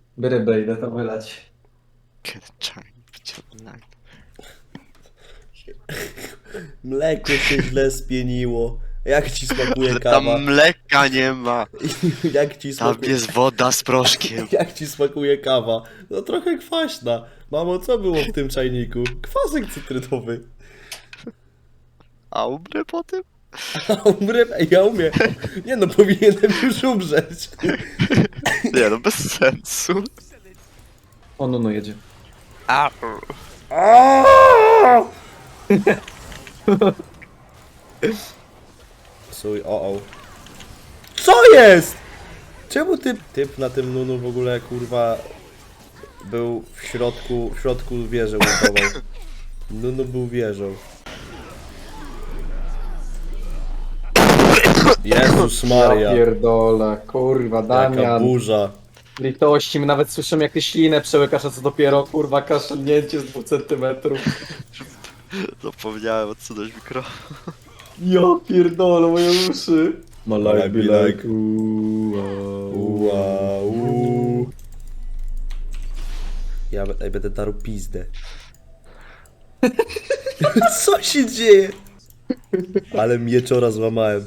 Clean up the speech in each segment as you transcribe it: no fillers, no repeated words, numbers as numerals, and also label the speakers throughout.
Speaker 1: Rybę idę to wylać.
Speaker 2: Mleko się źle spieniło. Jak ci smakuje
Speaker 3: Ale
Speaker 2: kawa?
Speaker 3: tam mleka nie ma.
Speaker 2: Jak ci
Speaker 3: Tam
Speaker 2: smakuje...
Speaker 3: jest woda z proszkiem.
Speaker 2: Jak ci smakuje kawa? No trochę kwaśna. Mamo, co było w tym czajniku? Kwasek cytrynowy.
Speaker 3: A umrę po tym?
Speaker 2: A umrę? Ej, ja umiem. Nie no, powinienem już umrzeć.
Speaker 3: Nie no, bez sensu.
Speaker 1: O, no jedzie.
Speaker 3: A,
Speaker 2: Suj, o. Co jest? Czemu typ na tym nunu w ogóle, kurwa, był w środku wieży ładował. Nunu był wieżą. Jezus Maria.
Speaker 1: Ja pierdolę, kurwa,
Speaker 2: Jaka
Speaker 1: Damian.
Speaker 2: burza.
Speaker 1: Litości, my nawet słyszymy jak ty ślinę przełykasz, a co dopiero, kurwa, kaszlnięcie z 2 centymetrów.
Speaker 3: zapomniałem odsunąć mikro.
Speaker 1: Ja pierdolę, moje uszy. My
Speaker 2: life be like,
Speaker 1: Uuu.
Speaker 2: Ja będę darł pizdę. Co się dzieje? Ale mieczora złamałem.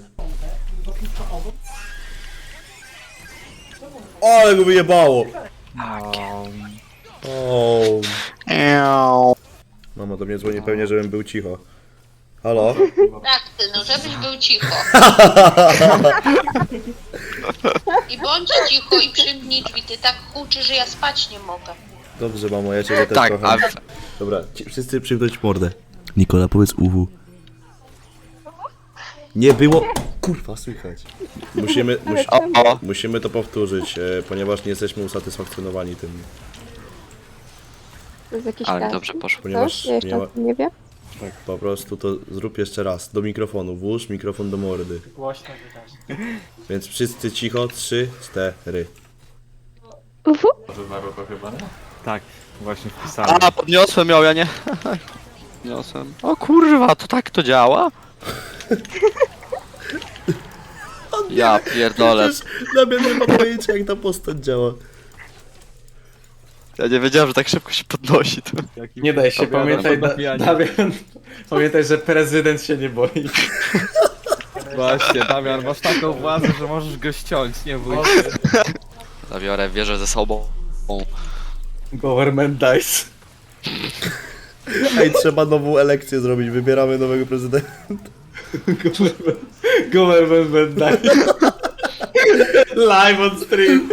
Speaker 2: Ale go wyjebało! O. Mama do mnie dzwoni pewnie, żebym był cicho. Halo?
Speaker 4: Tak, ty, no żebyś był cicho. I bądź cicho i przymknij drzwi, ty tak huczy, że ja spać nie mogę.
Speaker 2: Dobrze, mamo, ja ciebie też
Speaker 3: Tak,
Speaker 2: kocham. Dobra, wszyscy przymknąć mordę. Nikola, powiedz uwu. Nie było... Kurwa, słychać. Musimy to powtórzyć, ponieważ nie jesteśmy usatysfakcjonowani tym.
Speaker 5: To jest jakiś
Speaker 3: Ale
Speaker 5: casting?
Speaker 3: dobrze poszło.
Speaker 2: Ponieważ
Speaker 5: Coś? Ja jeszcze
Speaker 2: nie ma-
Speaker 5: o tym nie wiem.
Speaker 2: Tak, po prostu to zrób jeszcze raz. Do mikrofonu, włóż mikrofon do mordy.
Speaker 1: Głośno wydasz.
Speaker 2: Więc wszyscy cicho, 3, 4.
Speaker 5: Ufu.
Speaker 6: Tak, właśnie wpisałem.
Speaker 3: A, podniosłem ją, ja nie. Podniosłem. O kurwa, to tak to działa? Ja pierdolę.
Speaker 2: Damian nie ma pojęcia, jak ta postać działa.
Speaker 3: Ja nie wiedziałem, że tak szybko się podnosi. To.
Speaker 1: Nie daj się, pamiętaj, Damian, pamiętaj, że prezydent się nie boi.
Speaker 6: Właśnie, Damian, masz taką władzę, że możesz go ściąć, nie bój się.
Speaker 3: Zabiorę wieżę ze sobą.
Speaker 1: Government dies.
Speaker 2: Ej, trzeba nową elekcję zrobić, wybieramy nowego prezydenta.
Speaker 1: Government dies. Live on stream.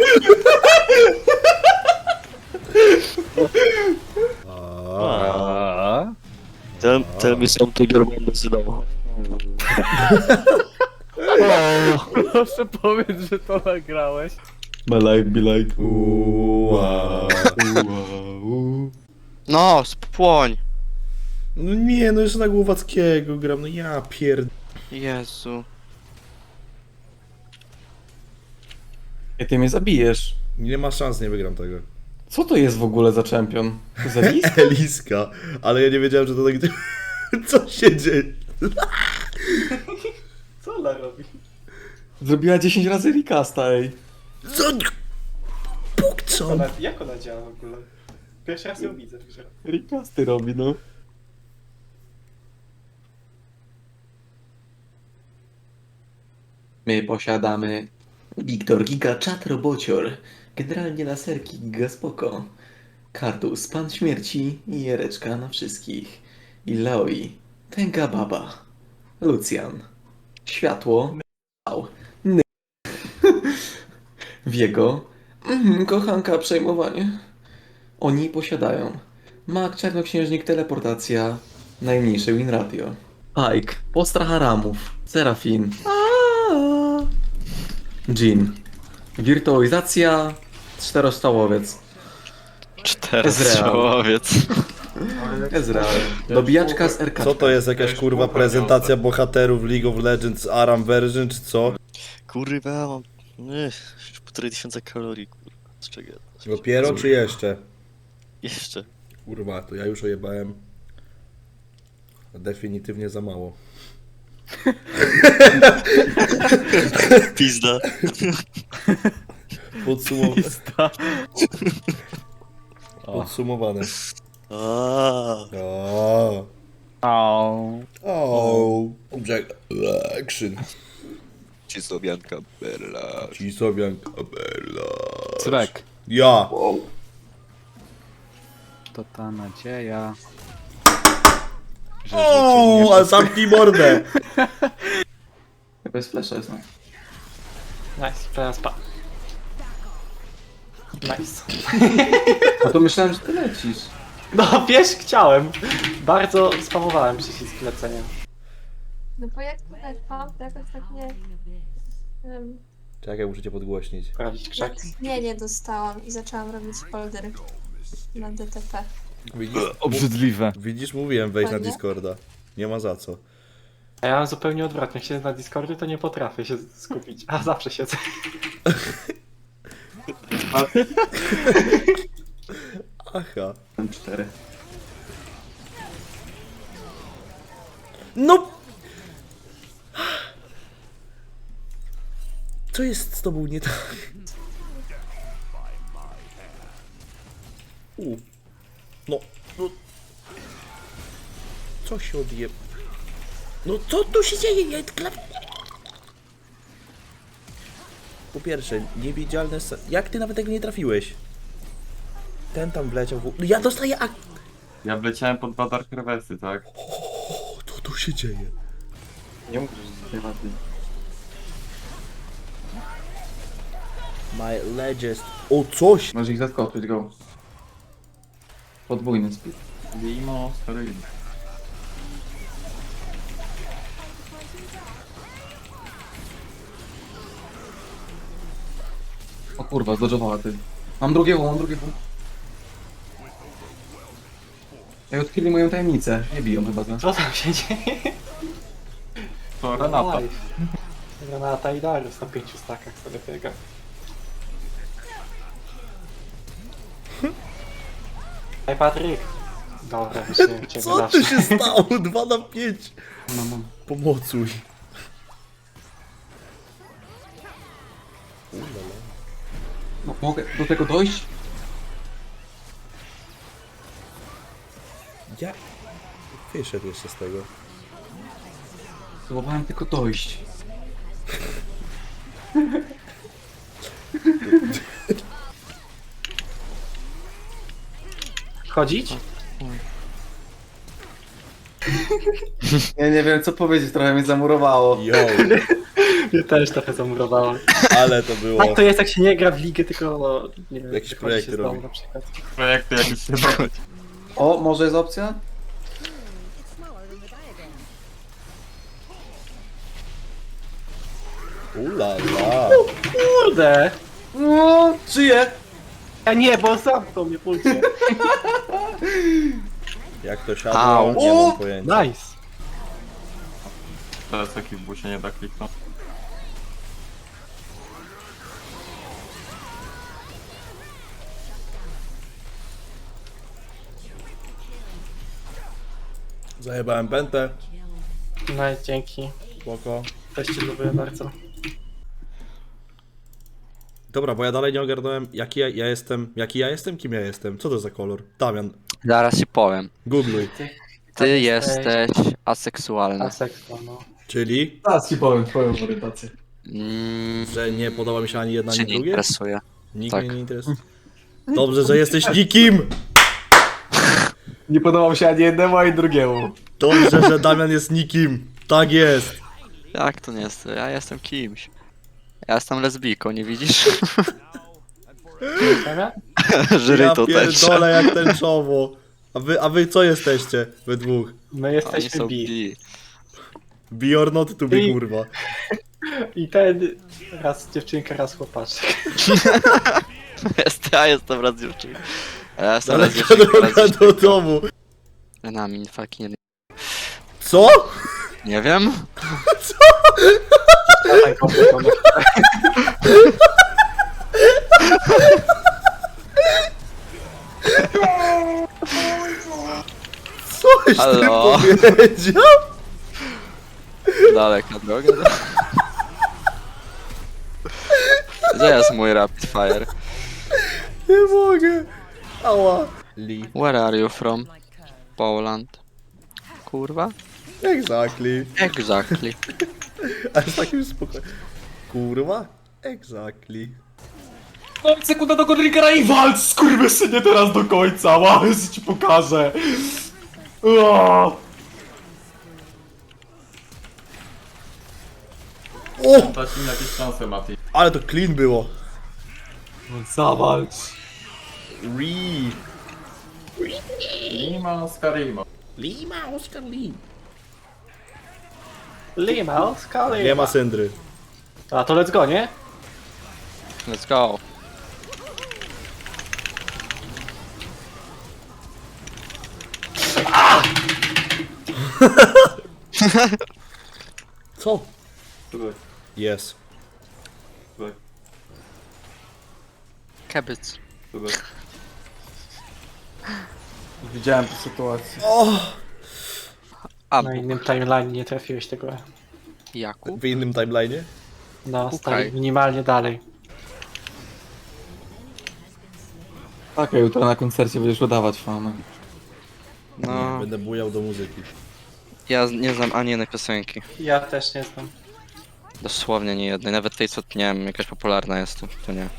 Speaker 6: A?
Speaker 3: Tell me something your mom decydował.
Speaker 6: Proszę powiedz, że to nagrałeś.
Speaker 1: My life be like
Speaker 3: No, spłoń.
Speaker 2: No nie, no jeszcze na Głowackiego gram, no ja pierd...
Speaker 3: Jezu.
Speaker 1: I ty mnie zabijesz.
Speaker 2: Nie ma szans, nie wygram tego.
Speaker 1: Co to jest w ogóle za czempion? Za list?
Speaker 2: Eliska, ale ja nie wiedziałem, że to tak... Co się dzieje?
Speaker 1: Co ona robi? Zrobiła 10 razy recasta, ej.
Speaker 2: Co? Bóg co?
Speaker 1: Jak ona działa w ogóle? Pierwszy raz ją widzę w grze. Recasty robi, no. My posiadamy Wiktor Giga Chat Robocior, generalnie laserki Giga Spoko, Kartus Pan Śmierci i Jereczka na wszystkich, Ilaoi, Tęga Baba, Lucjan, Światło, Wiego, kochanka przejmowanie. Oni posiadają Mag, Czarnoksiężnik, Teleportacja, najmniejszy win ratio. Pike, Postrach Haramów, Serafin, Jin, Wirtualizacja, Czterostrzałowiec,
Speaker 3: Czterostrzałowiec.
Speaker 1: Ezreal, Dobijaczka z RK.
Speaker 2: Co to jest, jakaś kurwa prezentacja bohaterów League of Legends Aram version, czy co?
Speaker 3: Kurwa, mam... Już 1500 kalorii, kurwa. Z czego?
Speaker 2: Dopiero czy jeszcze?
Speaker 3: Jeszcze.
Speaker 2: Kurwa, to ja już ojebałem. Definitywnie za mało.
Speaker 3: Pizda.
Speaker 2: Podsumowane.
Speaker 6: O.
Speaker 2: Jack Action.
Speaker 7: Cisowianka Bella.
Speaker 2: Cisowianka Bella.
Speaker 6: Cyrek.
Speaker 2: Ja.
Speaker 6: To ta nadzieja.
Speaker 2: O, a zamknij mordę.
Speaker 1: Bez flasha jest, no.
Speaker 8: Nice, teraz pa. Nice.
Speaker 1: A to myślałem, że ty lecisz.
Speaker 8: No wiesz, chciałem. Bardzo spamowałem przycisk lecenia.
Speaker 5: No bo jak to lecą, to jakoś tak nie...
Speaker 2: Czekaj, muszę cię podgłośnić.
Speaker 8: Sprawdzić krzaki.
Speaker 5: Nie dostałam i zaczęłam robić folder na DTP.
Speaker 6: Obrzydliwe.
Speaker 2: Widzisz, mówiłem wejść na
Speaker 5: Fajnie.
Speaker 2: Discorda. Nie ma za co.
Speaker 8: A ja mam zupełnie odwrotnie. Jak siedzę na Discordzie, to nie potrafię się skupić. A zawsze siedzę.
Speaker 2: Aha.
Speaker 1: M4.
Speaker 2: No! Co jest z tobą nie tak? No. Co się odje... No co tu się dzieje? Po pierwsze, niewidzialne... Jak ty nawet tego nie trafiłeś? Ten tam wleciał w... Ja dostaję ak...
Speaker 9: Ja wleciałem pod dwa Dark Reversy, tak?
Speaker 2: O, co tu się dzieje?
Speaker 1: Nie mów, że z tej wady.
Speaker 2: My legend... O, coś!
Speaker 1: Możesz ich zaskoczyć, go. Podwójny speed.
Speaker 9: Limo, steroidy.
Speaker 1: O kurwa, zdodżowała ty. Mam drugiego. Ja odkryli moją tajemnicę. Nie biją chyba, co?
Speaker 8: Co tam się dzieje?
Speaker 9: To Renata.
Speaker 8: Live. Granata i Darius na 5 stakach sobie biega. Hej Patryk! Dobra, myślałem ciebie
Speaker 2: Co
Speaker 8: zawsze.
Speaker 2: tu się stało? 2 na 5.
Speaker 1: No.
Speaker 2: Pomocuj.
Speaker 1: No, mogę do tego dojść?
Speaker 2: Ja... Wyszedł jeszcze z tego.
Speaker 1: Próbowałem tylko dojść.
Speaker 8: Chodzić?
Speaker 1: Ja nie wiem co powiedzieć, trochę mnie zamurowało.
Speaker 2: Yo,
Speaker 8: Mnie też trochę zamurowało.
Speaker 2: ale to było...
Speaker 8: Tak to jest jak się nie gra w ligę, tylko no, nie wiem,
Speaker 2: Jakieś
Speaker 8: wychodzi
Speaker 2: projekty
Speaker 8: się z domu
Speaker 2: robi.
Speaker 8: na przykład.
Speaker 9: Projekty jakieś się robią.
Speaker 1: O, może jest opcja?
Speaker 2: Ula la.
Speaker 8: Kurde!
Speaker 1: No, żyję!
Speaker 8: A nie, bo zamknął mnie pulcie.
Speaker 2: Jak to siadło,
Speaker 3: Au.
Speaker 2: nie mam pojęcia.
Speaker 8: Nice!
Speaker 9: Teraz taki w busie nie da kliknąć.
Speaker 2: Zajebałem pętę.
Speaker 8: No i dzięki.
Speaker 2: Spoko.
Speaker 8: Też cię lubię bardzo.
Speaker 2: Dobra, bo ja dalej nie ogarnąłem jaki ja jestem, kim ja jestem. Co to za kolor? Damian,
Speaker 3: Zaraz ci powiem.
Speaker 2: googluj.
Speaker 3: Ty jesteś aseksualny.
Speaker 8: Aseksual, no.
Speaker 2: Czyli,
Speaker 1: Teraz ci powiem twoją orientację.
Speaker 2: że nie podoba mi się ani jedna,
Speaker 3: Cię
Speaker 2: ani
Speaker 3: nie
Speaker 2: drugie?
Speaker 3: interesuje.
Speaker 2: Nikt
Speaker 3: tak.
Speaker 2: mnie nie interesuje. Dobrze, że jesteś nikim!
Speaker 1: Nie podobał się ani jednemu, ani drugiemu.
Speaker 2: Dobrze, że Damian jest nikim. Tak jest.
Speaker 3: Jak to nie jest? Ja jestem kimś. Ja jestem lesbijką, nie widzisz?
Speaker 8: Zamiar?
Speaker 3: Żyry
Speaker 2: Ja
Speaker 3: to też.
Speaker 2: pierdolę jak tęczowo. A wy co jesteście? Wy dwóch.
Speaker 8: My
Speaker 3: Oni
Speaker 8: jesteśmy
Speaker 3: są
Speaker 8: bi.
Speaker 3: bi.
Speaker 2: Be or not to be,
Speaker 8: Bi.
Speaker 2: kurwa.
Speaker 8: I ten raz dziewczynka, raz chłopaczek.
Speaker 3: Ja jestem raz dziewczynką. A ja jestem
Speaker 2: Ale
Speaker 3: raz dziewczynką, raz
Speaker 2: droga do
Speaker 3: dziewczynką.
Speaker 2: domu.
Speaker 3: Nami fucking
Speaker 2: Co?
Speaker 3: nie wiem.
Speaker 2: Coś ty
Speaker 3: Halo?
Speaker 2: powiedział?
Speaker 3: Daleka droga. Gdzie jest mój rapid fire?
Speaker 2: Nie mogę. Ała. Lee.
Speaker 3: Where are you from? Poland. Kurwa?
Speaker 2: Exactly.
Speaker 3: Exactly.
Speaker 2: Ale z takim spokojem. Kurwa? Exactly.
Speaker 8: No i sekunda do Godrigera i walcz, skurwysynie, teraz do końca, wow, ci pokażę. O!
Speaker 2: O!
Speaker 9: Dać im jakieś szanse, Mati.
Speaker 2: Ale to clean było.
Speaker 8: Zawalcz.
Speaker 2: Rii.
Speaker 9: Lima z Karimo.
Speaker 2: Lima, Oscar Lee.
Speaker 8: Lima, skali.
Speaker 2: Nie ma syndry.
Speaker 8: A to let's go, nie?
Speaker 3: Let's go.
Speaker 2: Co?
Speaker 9: Tutaj,
Speaker 2: Jest.
Speaker 9: tutaj,
Speaker 3: Kebyc.
Speaker 9: tutaj.
Speaker 8: Widziałem tę sytuację.
Speaker 3: A,
Speaker 8: Na innym timeline nie trafiłeś tego.
Speaker 3: Jakub?
Speaker 2: W innym timeline'ie?
Speaker 8: No,
Speaker 3: Pukaj.
Speaker 8: stali minimalnie dalej. Tak, a jutro na koncercie będziesz udawać fanę.
Speaker 3: No,
Speaker 2: Będę bujał do muzyki.
Speaker 3: ja nie znam ani jednej piosenki.
Speaker 8: Ja też nie znam.
Speaker 3: Dosłownie nie jednej. Nawet tej, co nie wiem, jakaś popularna jest tu. To nie.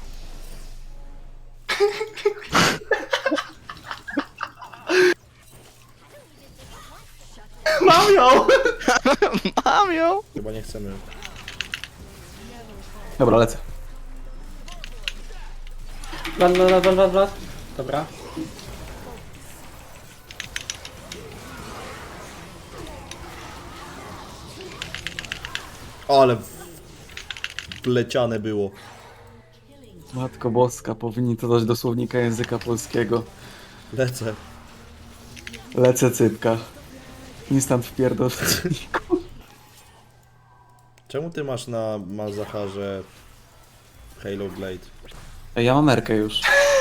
Speaker 8: Mam ją!
Speaker 3: Mam ją!
Speaker 2: Chyba nie chcemy.
Speaker 8: Dobra, lecę. Blat. Dobra.
Speaker 2: Ale wleciane było.
Speaker 8: Matko Boska, powinni to dać do słownika języka polskiego.
Speaker 2: Lecę.
Speaker 8: Lecę cypka. Instant wpierdol.
Speaker 2: Czemu ty masz na Malzacharze Halo Blade?
Speaker 8: Ja mam Erkę już.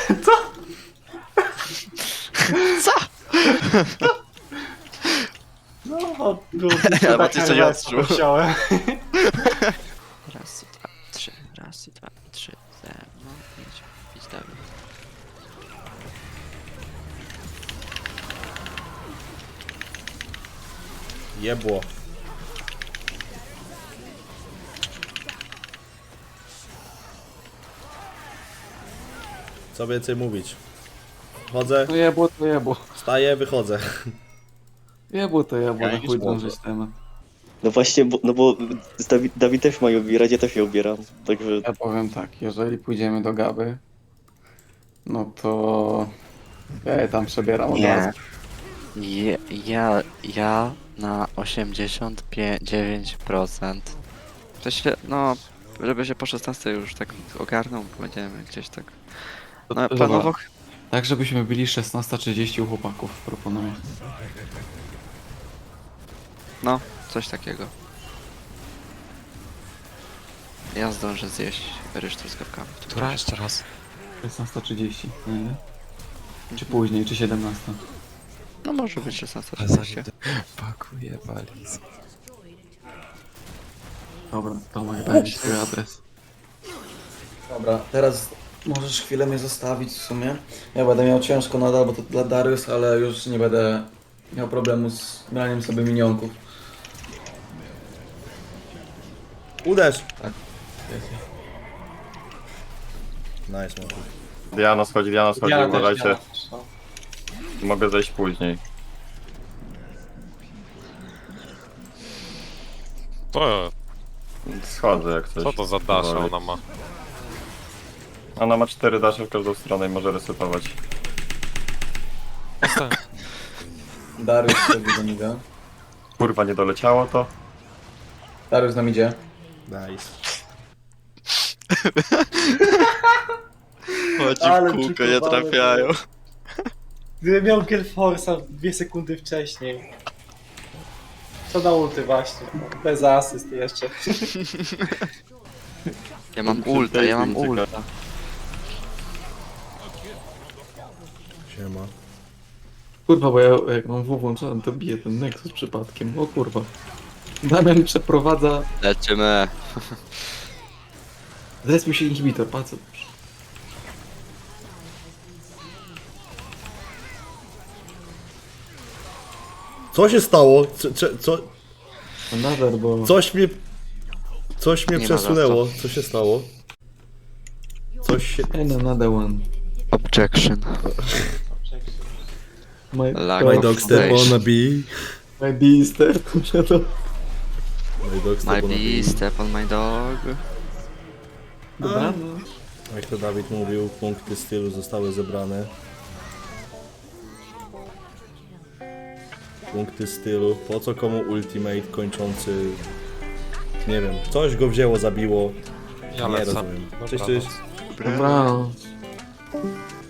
Speaker 3: Co?
Speaker 8: No, było
Speaker 3: Ja bo ty coś odczuł.
Speaker 8: musiałem.
Speaker 3: Raz, dwa, trzy. Raz, dwa, trzy. Ze mną. Idź dalej.
Speaker 2: Jebło. Co więcej mówić? Chodzę,
Speaker 8: To jebło, to jebło.
Speaker 2: wstaję, wychodzę.
Speaker 8: Jebło, to jebło,
Speaker 9: Ja
Speaker 8: na
Speaker 9: jakiś
Speaker 8: chuj
Speaker 9: spoko.
Speaker 8: drążyć temat.
Speaker 10: No właśnie, bo Dawid też ma ją ubierać, ja też ją ubieram, także...
Speaker 8: Ja powiem tak, jeżeli pójdziemy do Gaby, no to ja je tam przebieram od
Speaker 3: Nie.
Speaker 8: razu.
Speaker 3: Ja na 89%. To się, no, żeby się po 16 już tak ogarnął, będziemy gdzieś tak. No,
Speaker 8: Dobra.
Speaker 3: planowo.
Speaker 8: Tak, żebyśmy byli 16:30 u chłopaków, proponuję.
Speaker 3: No, coś takiego. Ja zdążę zjeść ryż truskawkami.
Speaker 11: Która jeszcze raz?
Speaker 8: 16:30, nie? Czy później, czy 17?
Speaker 3: No może być
Speaker 11: A
Speaker 3: 16:30.
Speaker 11: zanim pakuję walizę.
Speaker 8: Dobra, Tomek, daj mi swój adres. Dobra, teraz możesz chwilę mnie zostawić w sumie. Ja będę miał ciężko nadal, bo to dla Darius, ale już nie będę miał problemu z braniem sobie minionków.
Speaker 2: Uderz!
Speaker 8: Tak.
Speaker 2: Nice, man.
Speaker 9: Diana schodzi, uważajcie. Mogę zejść później.
Speaker 11: To,
Speaker 9: Schodzę jak coś.
Speaker 11: co to za dasza
Speaker 9: Powoli.
Speaker 11: ona ma?
Speaker 9: Ona ma 4 dasze w każdą stronę i może resetować.
Speaker 8: Darius sobie do niego.
Speaker 9: Kurwa, nie doleciało to?
Speaker 8: Darius nam idzie.
Speaker 2: Nice.
Speaker 3: Chodzi
Speaker 8: Ale
Speaker 3: w kółko, nie
Speaker 8: przykuwane
Speaker 3: trafiają.
Speaker 8: Gdybym miał Gelforsa 2 sekundy wcześniej. Co na ulty właśnie. Bez asyst jeszcze.
Speaker 3: Ja mam ulta, ja mam ulta.
Speaker 2: Siema.
Speaker 8: Kurwa, bo ja jak mam W włączony, to bije ten Nexus przypadkiem. O kurwa. Damian przeprowadza...
Speaker 3: Lecimy.
Speaker 1: Zrespił się inhibitor, bardzo dobrze.
Speaker 2: Co się stało?
Speaker 1: Nadal, bo...
Speaker 2: Coś mnie
Speaker 3: Nie ma
Speaker 2: przesunęło. Co się stało? Coś się...
Speaker 1: Another one.
Speaker 3: Objection.
Speaker 1: My,
Speaker 3: Lack
Speaker 2: My
Speaker 3: of
Speaker 2: dog step
Speaker 3: foundation.
Speaker 2: on a bee.
Speaker 1: my beaster.
Speaker 2: My dog step
Speaker 3: My
Speaker 2: on a bee.
Speaker 3: bee, step on my dog.
Speaker 1: Dobra,
Speaker 2: Jak to Dawid mówił, punkty stylu zostały zebrane. Punkty stylu. Po co komu ultimate kończący... Nie wiem. Coś go wzięło, zabiło.
Speaker 11: Ja
Speaker 2: Nie
Speaker 11: lecę.
Speaker 2: rozumiem.
Speaker 11: Dobranoc.
Speaker 2: Cześć, cześć.
Speaker 1: Dobra.